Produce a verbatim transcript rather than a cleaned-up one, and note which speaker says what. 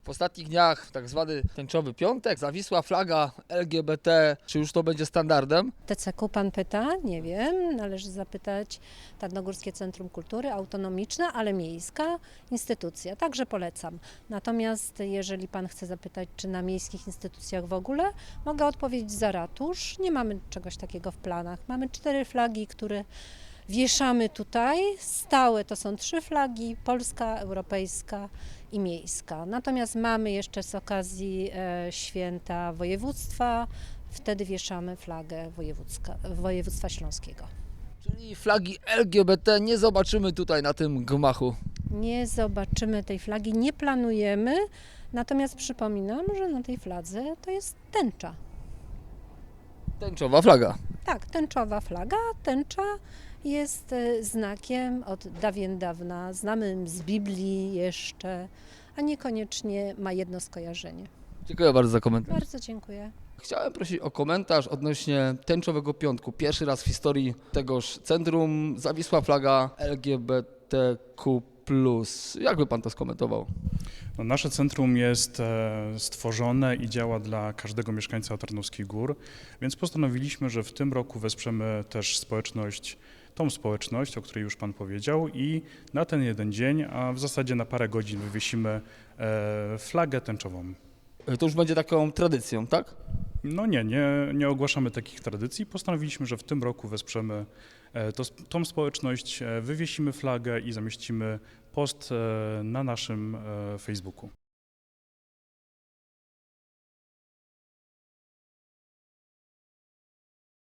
Speaker 1: W ostatnich dniach tak zwany tęczowy piątek, zawisła flaga L G B T, czy już to będzie standardem?
Speaker 2: T C K pan pyta? Nie wiem, należy zapytać Tarnogórskie Centrum Kultury, autonomiczna, ale miejska instytucja, także polecam. Natomiast jeżeli pan chce zapytać, czy na miejskich instytucjach w ogóle, mogę odpowiedzieć za ratusz. Nie mamy czegoś takiego w planach. Mamy cztery flagi, które wieszamy tutaj. Stałe to są trzy flagi, polska, europejska i miejska. Natomiast mamy jeszcze z okazji e, święta województwa, wtedy wieszamy flagę wojewódzka, województwa śląskiego.
Speaker 1: Czyli flagi L G B T nie zobaczymy tutaj na tym gmachu.
Speaker 2: Nie zobaczymy tej flagi, nie planujemy, natomiast przypominam, że na tej fladze to jest tęcza.
Speaker 1: Tęczowa flaga.
Speaker 2: Tak, tęczowa flaga. Tęcza jest e, znakiem od dawien dawna, znanym z Biblii jeszcze, a niekoniecznie ma jedno skojarzenie.
Speaker 1: Dziękuję bardzo za komentarz.
Speaker 2: Bardzo dziękuję.
Speaker 1: Chciałem prosić o komentarz odnośnie tęczowego piątku. Pierwszy raz w historii tegoż centrum zawisła flaga L G B T Q plus. Jak by pan to skomentował?
Speaker 3: No, nasze centrum jest e, stworzone i działa dla każdego mieszkańca Tarnowskich Gór, więc postanowiliśmy, że w tym roku wesprzemy też społeczność, tą społeczność, o której już pan powiedział, i na ten jeden dzień, a w zasadzie na parę godzin wywiesimy e, flagę tęczową.
Speaker 1: To już będzie taką tradycją, tak?
Speaker 3: No nie, nie, nie ogłaszamy takich tradycji. Postanowiliśmy, że w tym roku wesprzemy e, to, tą społeczność, e, wywiesimy flagę i zamieścimy post e, na naszym e, Facebooku.